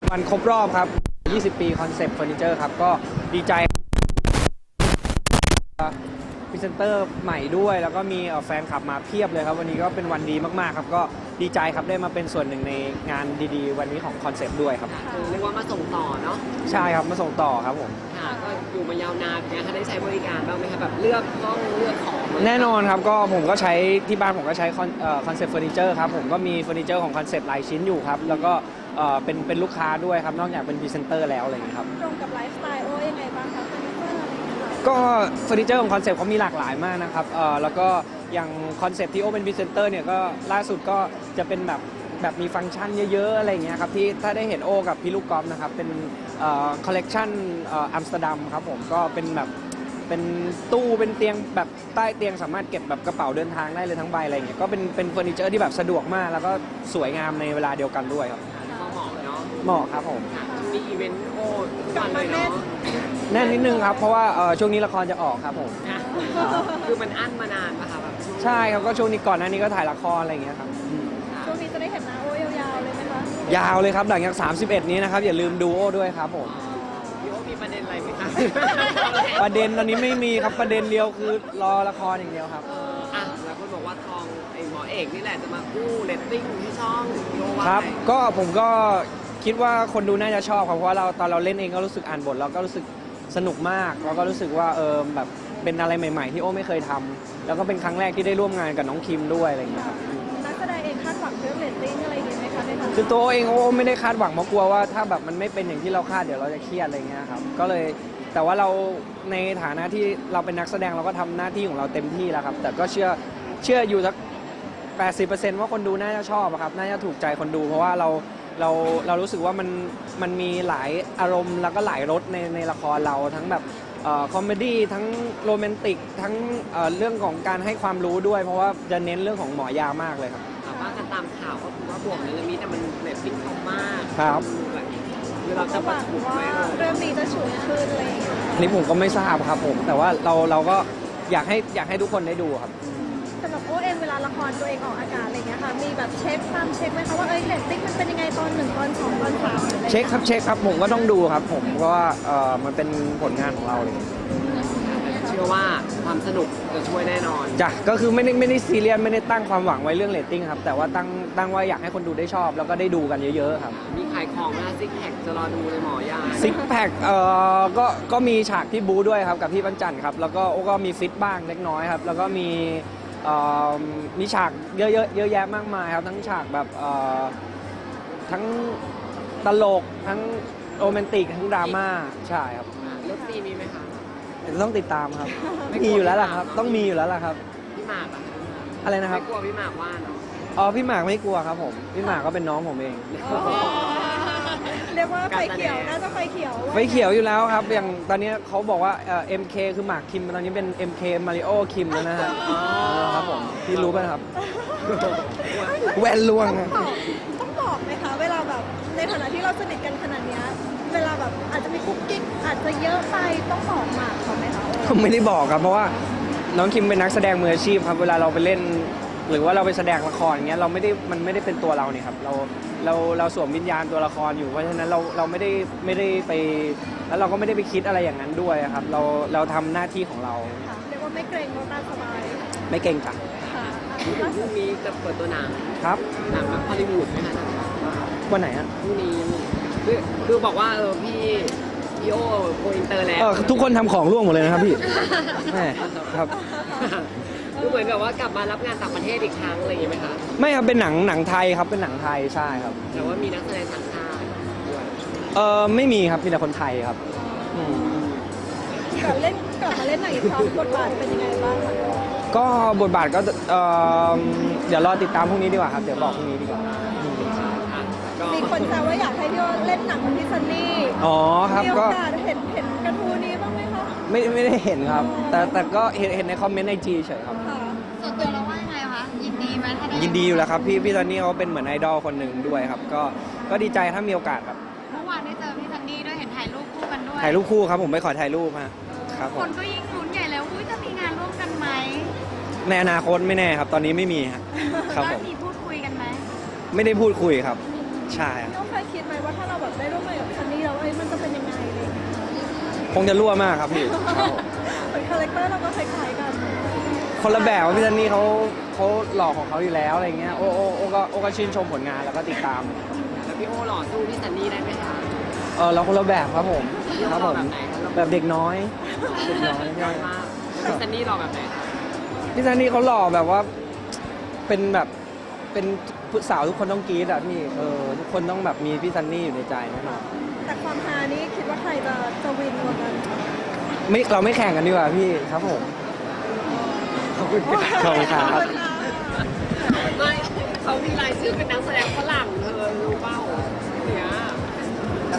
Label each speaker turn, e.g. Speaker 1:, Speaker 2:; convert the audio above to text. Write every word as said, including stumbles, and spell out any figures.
Speaker 1: วันครบรอบครับยี่สิบปีคอนเซปต์เฟอร์นิเจอร์ครับก็ดีใจพรีเซนเตอร์ใหม่ด้วยแล้วก็มีแฟนคลับมาเพียบเลยครับวันนี้ก็เป็นวันดีมากๆครับก็ดีใจครับได้มาเป็นส่วนหนึ่งในงานดีๆวันนี้ของคอนเซปต์ด้วยครับ
Speaker 2: เรียกว่ามาส่งต่อเนาะ
Speaker 1: ใช่ครับมาส่งต่อครับผม
Speaker 2: ค่ะก็อยู่มายาวนานเนี่ยค่ะได้ใช้บริการบ้างไหมคะแบบเลือกห้องเลือกของ
Speaker 1: แน่นอนครับก็ผมก็ใช้ที่บ้านผมก็ใช้คอนเซปต์เฟอร์นิเจอร์ครับผมก็มีเฟอร์นิเจอร์ของคอนเซปต์หลายชิ้นอยู่ครับแล้วก็เป็นเป็นลูกค้าด้วยครับนอกจากเป็นพรีเซนเตอร์แล้วอะไรอย่างนี้ครับ
Speaker 3: ตรงกับไลฟ์สไตล์โอ้ยังไงบ้างคะเฟอร์นิเจอร์อะไรอย่างเงี้ยค่ะ
Speaker 1: ก็เฟอร์นิเจอร์ของคอนเซปต์เขามีหลากหลายมากนะครับเอ่อแล้วก็อย่างคอนเซปต์ที่โอเป็นพรีเซนเตอร์เนี่ยก็ล่าสุดก็จะเป็นแบบแบบมีฟังก์ชันเยอะๆอะไรอย่างเงี้ยครับที่ถ้าได้เห็นโอกับพี่ลูกกอล์ฟนะครับเป็นเอ่อคอลเลกชันเอ่ออัมสเตอร์ดัมครับผมก็เป็นแบบเป็นตู้เป็นเตียงแบบใต้เตียงสามารถเก็บแบบกระเป๋าเดินทางได้เลยทั้งใบอะไรอย่างเงี้ยก็เป็นเป็นเฟอร์นิเจอร์ที่แบบสะดวกมากแล้วก็สวยงามในเวลาเดียวกันด้วยครับ
Speaker 2: ก็เหมาะเนาะ
Speaker 1: เหมาะครับผม
Speaker 2: มีอีเวนต์โอ้ทุกวันเลยเนาะ
Speaker 1: แน่นนิดนึงครับเพราะว่าช่วงนี้ละครจะออกครับผม
Speaker 2: คือมันอั้นมานานป่ะคะแบบ
Speaker 1: ใช่ครับก็ช่วงนี้ก่อนหน้านี้ก็ถ่ายละครอะไรอย่างเงี้ยครับ
Speaker 3: ช่วงนี้จะได้เห็นหน้าโอ้ยาวๆเลยไหมคะ
Speaker 1: ยาวเลยครับหลังจากสามสิบเอ็ดนี้นะครับอย่าลืมดูโอ้ด้วยครับผม
Speaker 2: พี่โอ้มีประเด็นอะไรไหมคะ
Speaker 1: ประเด็นตอนนี้ไม่มีครับประเด็นเดียวคือรอละครอย่างเดียวครับ
Speaker 2: อ่ะแล้วคนบอกว่าทองไอ้หมอเอกนี่แหละจะมากู้เรตติ้งที่ช่องโยว่า
Speaker 1: ครับก็ผมก็คิดว่าคนดูน่าจะชอบครับเพราะว่าเราตอนเราเล่นเองก็รู้สึกอ่านบทเราก็รู้สึกสนุกมากแล้วก็รู้สึกว่าเออแบบเป็นอะไรใหม่ๆที่โอ้ไม่เคยทำแล้วก็เป็นครั้งแรกที่ได้ร่วมงานกับน้องคิมด้วยอะไรอย่างเงี้ยครับ
Speaker 3: นักแสดงเองคาดหวังเรื่องเรตติ้งอะไรอย่างเงี้ยไหมคะในทาง
Speaker 1: คือตัวเองโอ้ไม่ได้คาดหวังเพราะกลัวว่าถ้าแบบมันไม่เป็นอย่างที่เราคาดเดี๋ยวเราจะเครียดอะไรเงี้ยครับก็เลยแต่ว่าเราในฐานะที่เราเป็นนักแสดงเราก็ทำหน้าที่ของเราเต็มที่แล้วครับแต่ก็เชื่อเชื่ออยู่สัก แปดสิบเปอร์เซ็นต์ ว่าคนดูน่าจะชอบครับน่าจะถูกใจคนดูเพราะว่าเราเราเรารู้สึกว่ามันมันมีหลายอารมณ์แล้วก็หลายรสในในละครเราทั้งแบบคอมเมดี้ทั้งโรแมนติกทั้งเรื่องของการให้ความรู้ด้วยเพราะว่าจะเน้นเรื่องของหมอยามากเลยครับ
Speaker 2: ว่ากันตามข่าวก็คือว่าบวกเรื่องนี้แต่มันเรตติ้งเขามาก
Speaker 1: ครับ
Speaker 2: คือเราจะ
Speaker 3: หวังว่าเรื่องนี้จะฉุนขึ้นอะไรอย่างเงี้ย
Speaker 1: นี่ผมก็ไม่ทราบครับผมแต่ว่าเราเราก็อยากให้อยากให้ทุกคนได้ดูครับ
Speaker 3: สำหรับโอ้เองเวลาละครตัวเองออกอากาศอะไรเงี้ยค่ะมีแบบเช็คตามเช็คไหมคะว่าเอ้ยเรตติ้งมันเป็นยังไงตอนหนึ่งตอนสองตอนสาม
Speaker 1: เช็คครับเช็คครับผมก็ต้องดูครับผมเพราะว่าเออมันเป็นผลงานของเราเลย
Speaker 2: เชื่อว่าความสนุกจะช่วยแน่นอน
Speaker 1: จ้ะก็คือไม่ได้ไม่ได้ซีเรียสไม่ได้ตั้งความหวังไว้เรื่องเรตติ้งครับแต่ว่าตั้งตั้งว่าอยากให้คนดูได้ชอบแล้วก็ได้ดูกันเยอะๆครับ
Speaker 2: มีขายของนะซิกแพคจะรอดูเลยหมอยา
Speaker 1: ซิกแพคเอ่อก็ก็มีฉากที่บูด้วยครับกับพี่ปัญจันครับแล้วก็โอ้ก็มีฟิตบ้างเล็กน้อยครับแล้วก็มีมีฉากเยอะๆเยอะแยะมากมายครับทั้งฉากแบบทั้งตลกทั้งโรแมนติกทั้งดราม่าใช่ครับ
Speaker 2: เลิฟซีมีไหมคะ
Speaker 1: ต้องติดตามครับมีอยู่แล้วล่ะครับต้องมีอยู่แล้วล่ะครับ
Speaker 2: พี่หมาก
Speaker 1: อะไรนะครับ
Speaker 2: ไม่กลัวพี่หมากว่าเนาะ
Speaker 1: อ๋อพี่หมากไม่กลัวครับผมพี่หมากก็เป็นน้องผมเอง
Speaker 3: เรียกว่าไฟเขียวน่าจะไฟเขียว
Speaker 1: ไฟเขียวอยู่แล้วครับอย่างตอนนี้เขาบอกว่าเอ็มเคคือหมากคิมตอนนี้เป็น เอ็ม เค มาริโอคิมแล้วนะฮะครับผมพี่รู้ป่ะครับแวนลวง
Speaker 3: ต้องบอกไหมคะเวลาแบบในฐานะที่เราสนิทกันขนาดนี้เวลาแบบอาจจะมีคุกกิ๊กอาจจะเยอะไปต้องบอกหมากเขาไหมคะ
Speaker 1: ไม่ได้บอกครับเพราะว่าน้องคิมเป็นนักแสดงมืออาชีพครับเวลาเราไปเล่นหรือว่าเราไปแสดงละครอย่างเงี้ยเราไม่ได้มันไม่ได้เป็นตัวเราเนี่ยครับเราเราเราสวมวิญญาณตัวละครอยู่เพราะฉะนั้นเราเราไม่ได้ไม่ได้ไปแล้วเราก็ไม่ได้ไปคิดอะไรอย่างนั้นด้วยครับเราเราทำหน้าที่ของเรา
Speaker 3: เรียกว่าไม่เกรงเราตามสบาย
Speaker 1: ไม่เกรงจ้ะ
Speaker 2: พรุ่งนี้จะเปิดตัวหนัง
Speaker 1: ครับ
Speaker 2: หนังแบบฮอลลีวูดไหมคะ
Speaker 1: วันไหนอ่ะ
Speaker 2: พรุ่งนี้คือคือบอกว่าเออพี่พี่โอโกอินเตอร์แล้ว
Speaker 1: ทุกคนทำของร่วงหมดเลยนะครับพี่แม่ครับ
Speaker 2: คือเหมือนกับว่ากลับมารับงานต่างประเทศอีกครั้งอะไรอย่างเงี้ยไหมคะ
Speaker 1: ไม่ครับเป็นหนังหนังไทยครับเป็นหนังไทยใช่ครับ
Speaker 2: แต่ว่ามีนักแสดงต่างชาติด้วย
Speaker 1: เออไม่มีครับมีแต่คนไทยครับ
Speaker 3: กลับเล่นกลับมาเล่นหนังอีกครั้งบทบาทเป็นยังไงบ้างคะ
Speaker 1: ก็บทบาทก็เออเดี๋ยวรอติดตามพรุ่งนี้ดีกว่าครับเดี๋ยวบอกพรุ่งนี้ดีกว่า
Speaker 3: มีคนแซวว่าอยากให้พี่โอเล่นหนังกับพี่ซันนี่
Speaker 1: อ๋อครับก็
Speaker 3: เห็นเห็นกระทู้นี้บ้างไหมคะ
Speaker 1: ไม่ไม่ได้เห็นครับแต่แต่ก็เห็นเห็นในคอมเมนต์ในจีเฉยครับ
Speaker 3: ส่วนตัวเราว่ายังไงคะยินดีไหมถ้าได้
Speaker 1: ยินดีอยู่แล้วครับพี่พี่ซันนี่เขาเป็นเหมือนไอดอลคนหนึ่งด้วยครับก็ก็ดีใจถ้ามีโอกาสครับ
Speaker 3: เมื่อวานได้เจอพี่ซันนี่ด้วยเห็นถ่ายรูปคู่กันด้วย
Speaker 1: ถ่ายรูปคู่ครับผมไปขอถ่ายรูปฮะครับ
Speaker 3: คนก็ยิ่งลุ้นใหญ่แล้วอุ้ยจะมีงานร่วมกันไหม
Speaker 1: ในอนาคตไม่แน่ครับตอนนี้ไม่มีครับผม
Speaker 3: มีพูดคุยกันไหม
Speaker 1: ไม่ได้พูดคุยครับใช่
Speaker 3: ต้องเคยคิดไหมว่าถ้าเราแบบได้ร่วม
Speaker 1: คงจะรั่วมากครับพี่
Speaker 3: เป็นคาแรคเตอร์เราก็คล้ายๆกัน
Speaker 1: คนละแบบว่าพี่ซันนี่เขาเขาหล่อของเขาอยู่แล้วอะไรเงี้ยโอโอโอก็โอก็ชื่นชมผลงานแล้วก็ติดตาม
Speaker 2: แล้วพี่โอหล่อสู้พี่ซันนี่ได้ไหมคะ
Speaker 1: เออเราคนละแบบครับผม
Speaker 2: พี่
Speaker 1: ครับ
Speaker 2: โอห
Speaker 1: ผ
Speaker 2: ล่อ
Speaker 1: ม
Speaker 2: แบบไหนคะ
Speaker 1: แบบเด็กน้อยเด็กน้อยพี่
Speaker 2: น้
Speaker 1: อ้
Speaker 2: อ
Speaker 1: อย ย
Speaker 2: มากพี่ซันนี่หล่อแบบไหนคะ
Speaker 1: พี่ซันนี่เขาหล่อแบบว่าเป็นแบบเป็นสาวทุกคนต้องกรี๊ดอะพี่เออทุกคนต้องแบบมีพี่ซันนี่อยู่ในใจแน่นอน
Speaker 3: แต่ความฮานี่คิดว่าใครจะจะวินกว่ากัน
Speaker 1: ไม่เราไม่แข่งกันดีกว่าพี่ครับผมขอบคุณครับ
Speaker 3: ขอบคุณค่ะ
Speaker 2: ไม่เขามีรายชื่อเป็นนักแสดงฝรั่งเธ